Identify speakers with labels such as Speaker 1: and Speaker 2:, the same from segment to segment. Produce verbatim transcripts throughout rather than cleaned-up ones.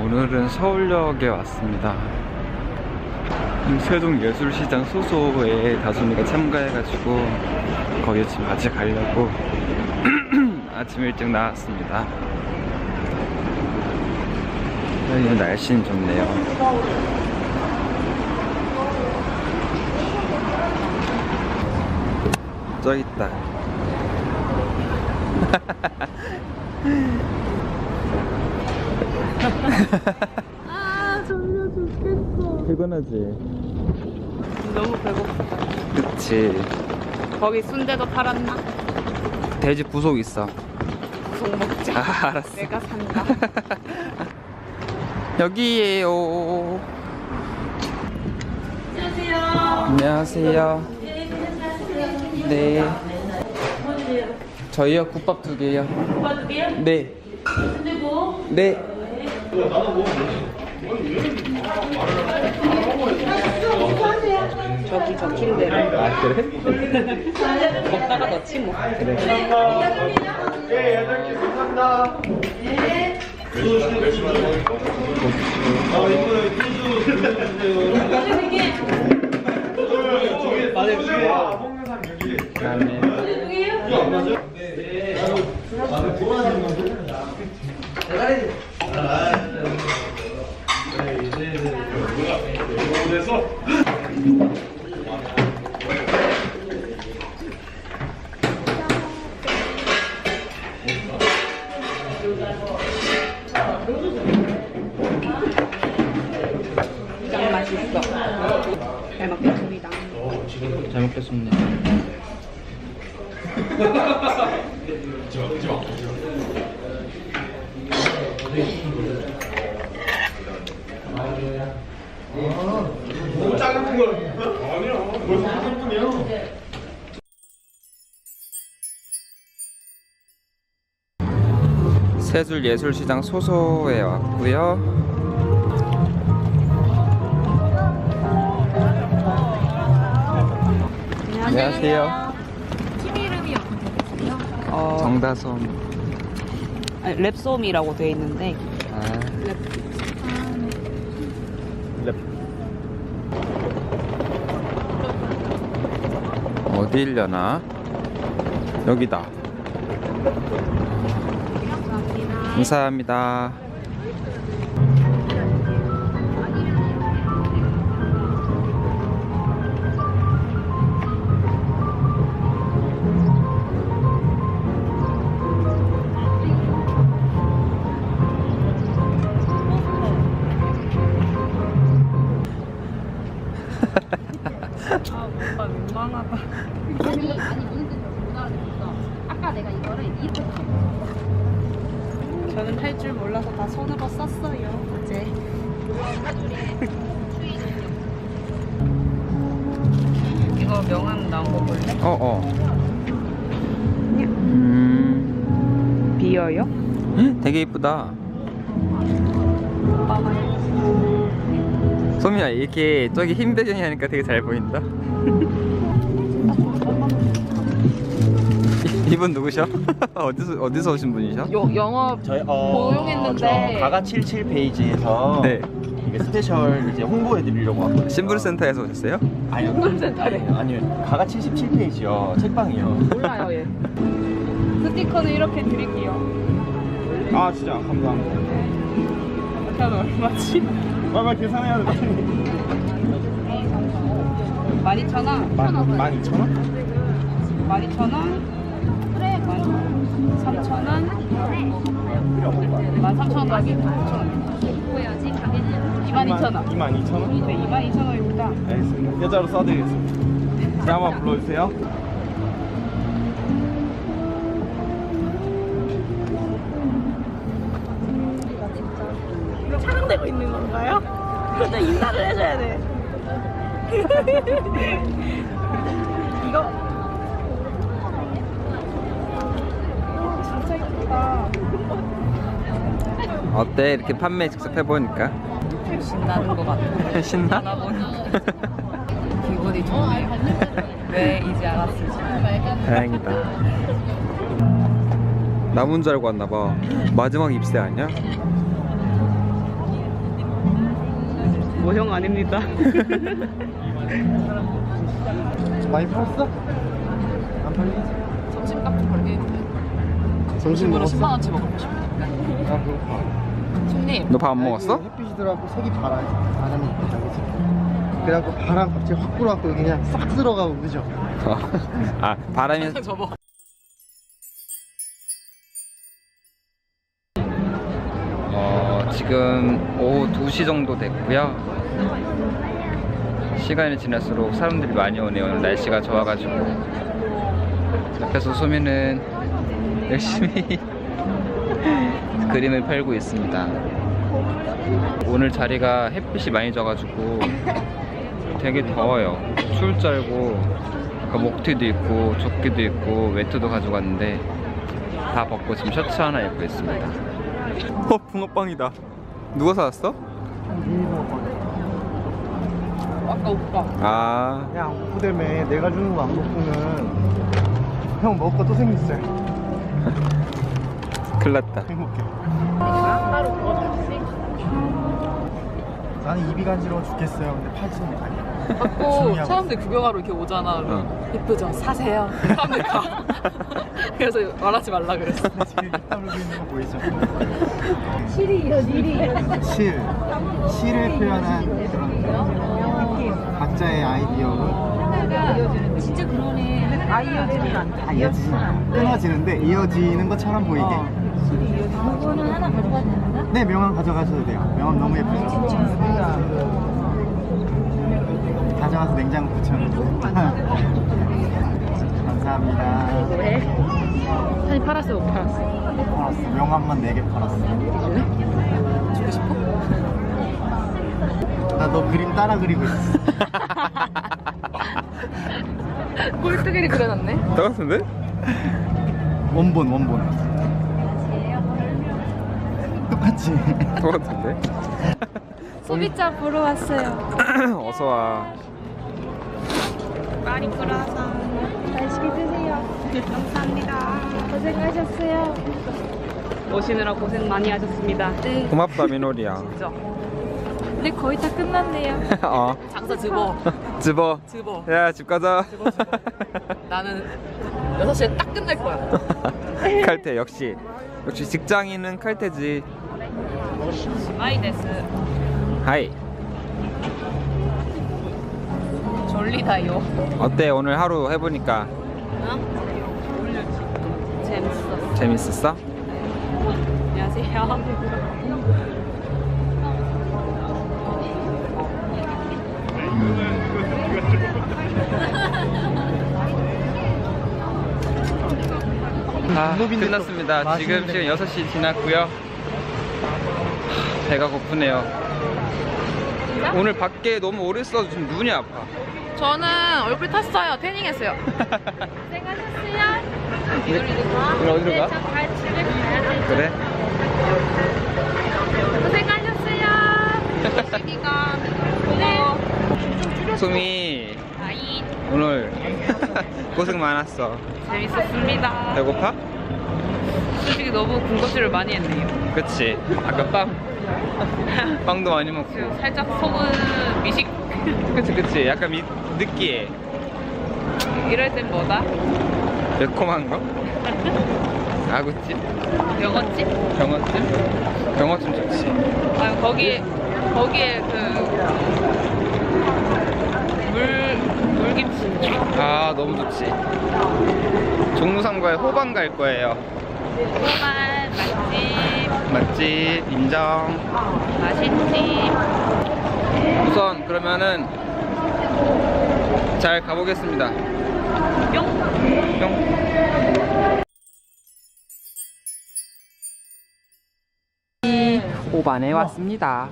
Speaker 1: 오늘은 서울역에 왔습니다. 세종예술시장 소소에 다솜이가 참가해가지고 거기 지금 같이 가려고 아침 일찍 나왔습니다. 여기 날씨는 좋네요. 저기 있다.
Speaker 2: 아 졸려 죽겠어.
Speaker 1: 피곤하지?
Speaker 2: 너무 배고프다.
Speaker 1: 그치.
Speaker 2: 거기 순대도 팔았나?
Speaker 1: 돼지 부속 있어.
Speaker 2: 부속 먹자.
Speaker 1: 아, 알았어.
Speaker 2: 내가 산다.
Speaker 1: 여기에요.
Speaker 2: 안녕하세요.
Speaker 1: 안녕하세요. 네. 저희요 국밥 두 개요.
Speaker 2: 오빠 두 개요?
Speaker 1: 네.
Speaker 2: 순대고.
Speaker 1: 네.
Speaker 2: 저기 적힌 대로.
Speaker 1: 아 그래?
Speaker 2: 먹다가 넣지 뭐.
Speaker 1: 그래.
Speaker 3: 네, 여덟 개 감사합니다. 네. 아, 이거는 두 맞아요, 두 개. 먹는 사람 여기.
Speaker 1: 그다음에
Speaker 3: 맞아요? 네. 아, 좋아하는 건데. 그래서
Speaker 2: 짱 맛있어. 잘 먹겠습니다.
Speaker 1: 잘 먹겠습니다.
Speaker 3: 너무 작은 거 아니야. 벌써 한 분이야.
Speaker 1: 세술예술시장 소소에 왔고요. 안녕하세요.
Speaker 2: 팀 이름이 어떻게 되세요? 어,
Speaker 1: 정다솜.
Speaker 2: 아니, 랩솜이라고 돼 있는데.
Speaker 1: 아,
Speaker 2: 랩.
Speaker 1: 랩. 어디 일려나? 여기다. 감사합니다.
Speaker 2: 아, 오빠 민망하다.
Speaker 4: 아니 아니 무슨 뜻인지 못 알아듣겠어. 아까 내가 이거를 이렇게
Speaker 2: 저는 할 줄 몰라서 다 손으로 썼어요. 어제. 이거 명함 나온 거 볼래?
Speaker 1: 어, 어. 음,
Speaker 2: 비어요?
Speaker 1: 되게 이쁘다.
Speaker 2: 오빠가
Speaker 1: 소미야, 이렇게 저기 흰 배경이 하니까 되게 잘 보인다. 이- 이분 누구셔? 어디서 어디서 오신 분이셔?
Speaker 2: 요, 영업
Speaker 5: 저희 어,
Speaker 2: 고용했는데.
Speaker 5: 저 가가 칠십칠 페이지에서
Speaker 1: 네.
Speaker 5: 이게 스페셜 이제 홍보해 드리려고 왔거든요.
Speaker 1: 신불센터에서 오셨어요?
Speaker 5: 아니요.
Speaker 2: 신불센터래.
Speaker 5: 아니요. 아니요. 가가 칠십칠 페이지요. 책방이요.
Speaker 2: 몰라요 얘. 스티커는 이렇게 드릴게요.
Speaker 5: 아, 진짜 감사합니다.
Speaker 2: 그럼 얼마지?
Speaker 5: 빨리 계산해야 돼.
Speaker 2: 만 이천 원.
Speaker 5: 만 이천 원?
Speaker 2: 만 이천 원. 그래. 만 삼천 원. 만 삼천 원 더하기 오천 원.
Speaker 4: 보여야지 가게는
Speaker 2: 이만 이천 원.
Speaker 5: 이만 이천 원?
Speaker 2: 네, 이만 이천 원입니다.
Speaker 5: 알겠습니다. 계좌로 써드리겠습니다. 제 한번 불러주세요.
Speaker 2: 이거 촬영되고 있는 건가요? 그러다 인사를 해줘야 돼. 이거 진짜 예쁘다.
Speaker 1: 어때? 이렇게 판매 직접 해보니까
Speaker 2: 신나는 것 같아.
Speaker 1: 신나?
Speaker 2: 하다 보니까 기분이 좋네요. 왜 이제 알았을지.
Speaker 1: 다행이다. 남은 줄 알고 왔나봐. 마지막 입새 아니야?
Speaker 2: 모형 아닙니다.
Speaker 3: 많이 팔았어? 안 팔리지?
Speaker 6: 점심값 좀 벌게
Speaker 3: 점심
Speaker 6: 점심으로
Speaker 3: 먹었어?
Speaker 6: 십만 원치 먹고 싶으니까.
Speaker 3: 아 배고파.
Speaker 6: 손님
Speaker 1: 너 밥 안 먹었어?
Speaker 3: 햇빛이 들어가고 색이 바람, 바람이 있다. 그래갖고 바람 갑자기 확 불어갖고 여기 그냥 싹 들어가고 그죠?
Speaker 1: 아 바람이
Speaker 6: 접어.
Speaker 1: 어, 지금 오후 두 시 정도 됐고요. 시간이 지날수록 사람들이 많이 오네요. 오늘 날씨가 좋아가지고. 옆에서 소미는 열심히 그림을 펼고 있습니다. 오늘 자리가 햇빛이 많이 져가지고 되게 더워요. 추울 줄 알고 아까 목티도 있고 조끼도 있고 외투도 가져갔는데 다 벗고 지금 셔츠 하나 입고 있습니다. 어, 붕어빵이다. 누가 사왔어?
Speaker 6: 아까 오빠.
Speaker 1: 아,
Speaker 3: 야 후대매 내가 주는 거 안 먹고는 형 먹을 거 또 생겼어요.
Speaker 1: 큰일 났다.
Speaker 3: 행복해. 나는 입이 간지러워 죽겠어요. 근데 팔지는 아니야.
Speaker 6: 받고
Speaker 3: 중요하고
Speaker 6: 사람들 구경하러 이렇게 오잖아.
Speaker 1: 어.
Speaker 6: 예쁘죠? 사세요. 사람들 가. 그래서 말하지 말라 그랬어.
Speaker 3: 지금 입 다물고 있는 거 보이죠?
Speaker 4: 실이요, 일이.
Speaker 3: 실, 실을 표현한 그런 각자의 아이디어로
Speaker 4: 진짜 그러네. 아, 이어지는 않다.
Speaker 3: 다 이어지진 않아요. 끊어지는데 이어지는 것처럼 보이게.
Speaker 4: 이거는 하나 가져가도 되나?
Speaker 3: 네, 명함 가져가셔도 돼요. 명함 너무 예쁘죠? 가져가서 냉장고 붙여놓으세요. 감사합니다.
Speaker 6: 왜? 사실 팔았어, 못 팔았어?
Speaker 3: 팔았어. 명함만 네 개 팔았어.
Speaker 6: 주고 싶어?
Speaker 3: 나 너 그림 따라 그리고 있어.
Speaker 6: 꼴뚜기를 그려놨네.
Speaker 1: 똑같은데?
Speaker 3: 원본, 원본. 똑같지?
Speaker 1: 똑같은데?
Speaker 4: 소비자 보러 왔어요.
Speaker 1: 어서와.
Speaker 4: 많이 불어서 맛있게 드세요. 감사합니다. 고생하셨어요.
Speaker 2: 오시느라 고생 많이 하셨습니다.
Speaker 4: 네.
Speaker 1: 고맙다, 민호리야.
Speaker 6: 진짜.
Speaker 4: 근데 거의 다 끝났네요.
Speaker 1: 어,
Speaker 6: 장사 집어.
Speaker 1: 집어.
Speaker 6: 집어.
Speaker 1: 야, 집 가자.
Speaker 6: 나는 여섯 시에 딱 끝낼 거야.
Speaker 1: 칼퇴, 역시. 역시 직장인은 칼퇴지.
Speaker 6: 마이데스.
Speaker 1: 하이.
Speaker 6: 졸리다요.
Speaker 1: 어때, 오늘 하루 해보니까?
Speaker 6: 재밌어.
Speaker 1: 재밌었어?
Speaker 6: 안녕하세요.
Speaker 1: 아,
Speaker 3: 국물인데 또
Speaker 1: 끝났습니다. 지금
Speaker 3: 맛있는데.
Speaker 1: 지금 여섯 시 지났고요. 하, 배가 고프네요. 오늘 밖에 너무 오래 있어서 지금 눈이 아파.
Speaker 6: 저는 얼굴 탔어요. 태닝했어요.
Speaker 4: 고생하셨어요.
Speaker 1: 이거 어디로 가?
Speaker 4: 갈 집에 가야 돼.
Speaker 1: 그래?
Speaker 4: 고생하셨어요.
Speaker 6: 시기가
Speaker 4: 네.
Speaker 1: 소미,
Speaker 6: 아이
Speaker 1: 오늘 고생 많았어.
Speaker 6: 재밌었습니다.
Speaker 1: 배고파?
Speaker 6: 솔직히 너무 군것질을 많이 했네요.
Speaker 1: 그치? 아까 빵. 빵도 많이 먹고.
Speaker 6: 지금 살짝 속은 미식.
Speaker 1: 그치, 그치. 약간 미, 느끼해.
Speaker 6: 이럴 땐 뭐다?
Speaker 1: 매콤한 거? 아구찜?
Speaker 6: 병어찜?
Speaker 1: 병어찜? 병어찜 좋지.
Speaker 6: 아니 거기에 거기에 그 물 물김치.
Speaker 1: 아, 너무 좋지. 종로상가에 호반 갈 거예요.
Speaker 6: 호반 맛집.
Speaker 1: 맛집 인정.
Speaker 6: 맛있지.
Speaker 1: 우선 그러면은 잘 가보겠습니다.
Speaker 6: 뿅.
Speaker 1: 뿅. 오반에 왔습니다.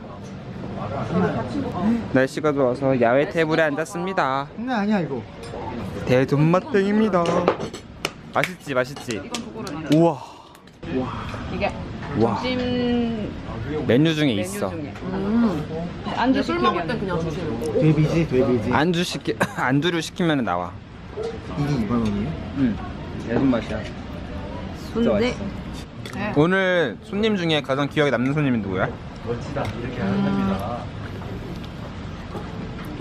Speaker 1: 날씨가 좋아서 야외 테이블에 앉았습니다.
Speaker 3: 장난 아니야 이거.
Speaker 1: 대존맛땡입니다. 맛있지, 맛있지. 우와.
Speaker 6: 이게
Speaker 1: 와.
Speaker 6: 점심
Speaker 1: 메뉴 중에
Speaker 6: 메뉴
Speaker 1: 있어.
Speaker 6: 중에. 음. 안주 술 먹을 땐 그냥 주시는 거.
Speaker 3: 돼비지, 돼비지.
Speaker 1: 안주 시키 안주를 시키면 나와.
Speaker 3: 이게 이만 원이에요?
Speaker 1: 응. 내 손맛이야. 진짜
Speaker 6: 근데
Speaker 1: 맛있어. 오늘 손님 중에 가장 기억에 남는 손님이 누구야?
Speaker 3: 멋지다. 이렇게 하는 겁니다.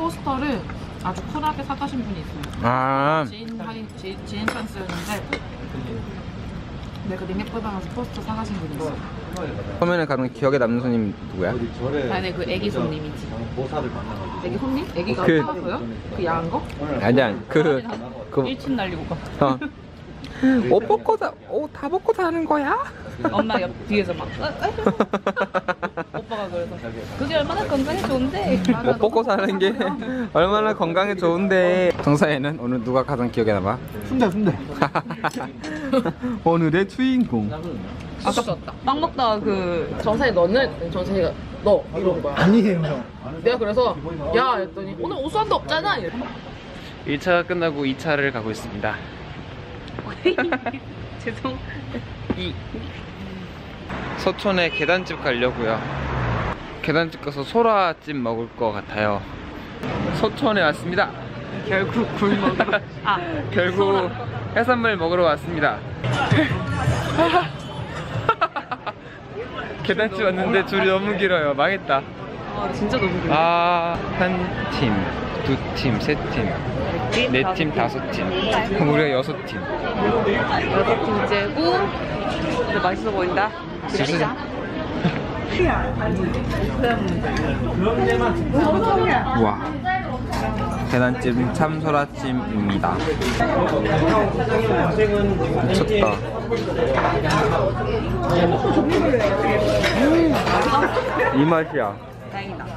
Speaker 6: 포스터를 아주 쿨하게 사가신 분이 있어요.
Speaker 1: 아,
Speaker 6: 지인 할인, 지, 지인 찬스였는데 내가 링앱 받아가서 포스터 사가신 분이 있어.
Speaker 1: 처음에는 가면 기억에 남는 손님 누구야?
Speaker 3: 어디 절에
Speaker 6: 아니 그 애기 손님이지.
Speaker 3: 보살을 만나가지고
Speaker 6: 애기 손님? 애기가
Speaker 1: 그-
Speaker 6: 사갔어요? 그 야한 거?
Speaker 1: 아니야, 그, 그,
Speaker 6: 일침 날리고 가.
Speaker 1: 어. 옷 벗고 다, 옷 다 벗고 사는 거야?
Speaker 6: 엄마 옆 뒤에서 막 어, 어. 오빠가 그래서 그게 얼마나 건강에 좋은데.
Speaker 1: 옷 벗고 사는 게 얼마나 건강에 좋은데. 정사에는 오늘 누가 가장 기억에 남아?
Speaker 3: 순대 순대.
Speaker 1: 오늘의 주인공.
Speaker 6: 아깝다. 빵 먹다가 그 정사에 너는 정사이가 너 이런 거야.
Speaker 3: 아니에요 형.
Speaker 6: 내가 그래서 야 했더니 오늘 오수환도 없잖아. 이래.
Speaker 1: 일 차가 끝나고 이 차를 가고 있습니다.
Speaker 6: 죄송.
Speaker 1: 이 서촌에 계단집 가려고요. 계단집 가서 소라찜 먹을 것 같아요. 서촌에 왔습니다.
Speaker 6: 결국 굴 먹으러. 아
Speaker 1: 결국 해산물 먹으러 왔습니다. 계단집 왔는데 줄이 너무 길어요. 망했다.
Speaker 6: 아 진짜 너무 그래.
Speaker 1: 아, 한 팀, 두 팀, 세 팀, 네 팀, 다섯 팀. 우리가 여섯 팀.
Speaker 6: 여섯 팀째고 근데 맛있어 보인다.
Speaker 1: 진짜. 와, 계란찜 참소라찜입니다. 미쳤다. 이 맛이야.
Speaker 6: 다행이다.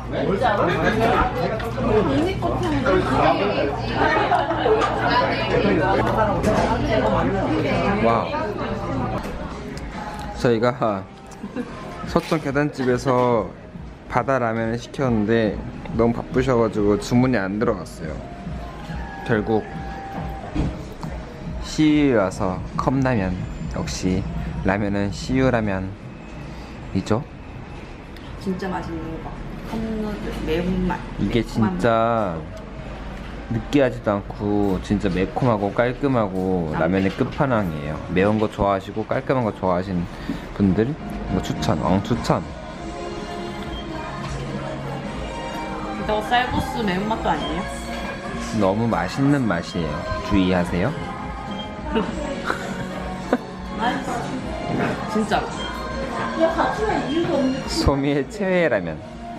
Speaker 1: 와, 저희가 서촌 계단집에서 바다 라면을 시켰는데 너무 바쁘셔가지고 주문이 안 들어갔어요. 결국 씨유에 와서 컵라면. 역시 라면은 씨유라면이죠.
Speaker 2: 진짜 맛있는 거. 컵누들 매운맛.
Speaker 1: 이게 진짜 느끼하지도 않고 진짜 매콤하고 깔끔하고 라면의 끝판왕이에요. 매운 거 좋아하시고 깔끔한 거 좋아하시는 분들 이거 추천, 엉 추천.
Speaker 2: 이거 쌀국수 매운맛도 아니에요?
Speaker 1: 너무 맛있는 맛이에요. 주의하세요.
Speaker 6: 진짜.
Speaker 1: 소미의 최애 라면.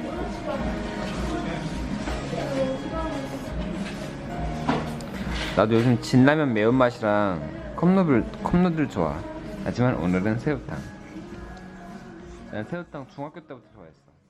Speaker 1: 나도 요즘 진라면 매운맛이랑 컵누들, 컵누들 좋아. 하지만 오늘은 새우탕. 난 새우탕 중학교 때부터 좋아했어.